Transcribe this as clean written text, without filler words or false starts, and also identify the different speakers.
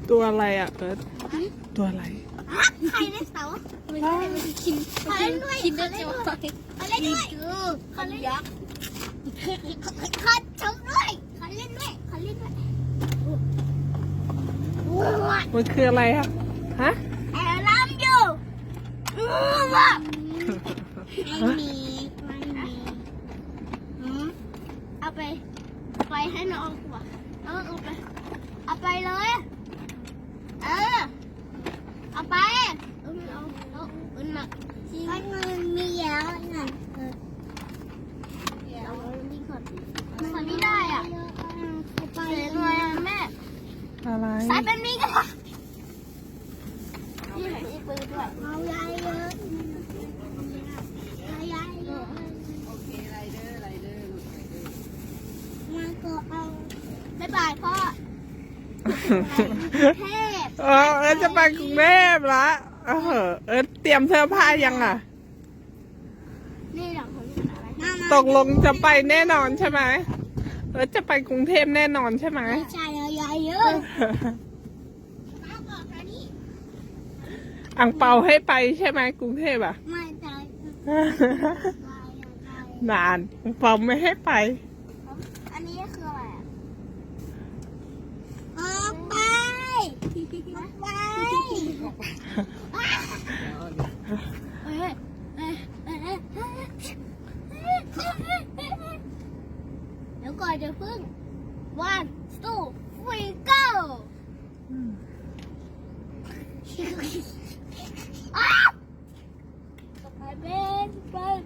Speaker 1: ตัวอะไรอ่ะเอิร์ธตัวอะไร
Speaker 2: ใครเล่นเสาไม่ใช่ไม่ใช่คิมเขาเล่นด้วยคิมเล่นด้วยเขาเล่นด้วยเขาเล่นยักษ์เขาชมด้วยเขาเล่นด้วยเขาเล่นด้วย
Speaker 1: มันคืออะไรอ่ะฮะ
Speaker 2: แอร์ลัมอยู่ว่ะไม่มีเอาไปให้น้องว่ะน้องเอาไปเลยเอาไปเอาหนักมันมีเยอะหน่อยคนนี้ได้อ่ะไปเลยแม่
Speaker 1: อะไร
Speaker 2: ใส่เป็นนี้กันนี่ไหนที่ปืนด้วยเอาใหญ่เยอะใหญ่เยอะโอเคไรเดอร์มาก็เอาบ๊ายบายพ่อเทพ
Speaker 1: เอิร์ธจะไปกรุงเทพละเอิร์ธเตรียมเสื้อผ้ายังอ่ะ
Speaker 2: นี่หลังของอะไร
Speaker 1: ตกลงจะไปแน่นอนใช่ไหมเอิร์ธจะไปกรุงเทพแน่นอนใช่ไหม
Speaker 2: ไม่ใช่ใหญ่เยอะ
Speaker 1: อังเปาให้ไปใช่ไหมกรุงเทพอ่ะ
Speaker 2: ไม่ใช่
Speaker 1: นานอังเปาไม่ให้ไป
Speaker 2: อันนี้คืออะไรอ่ะออกไปเดี๋ยวก่อนจะพึ่ง one two three go ไปเป็นไป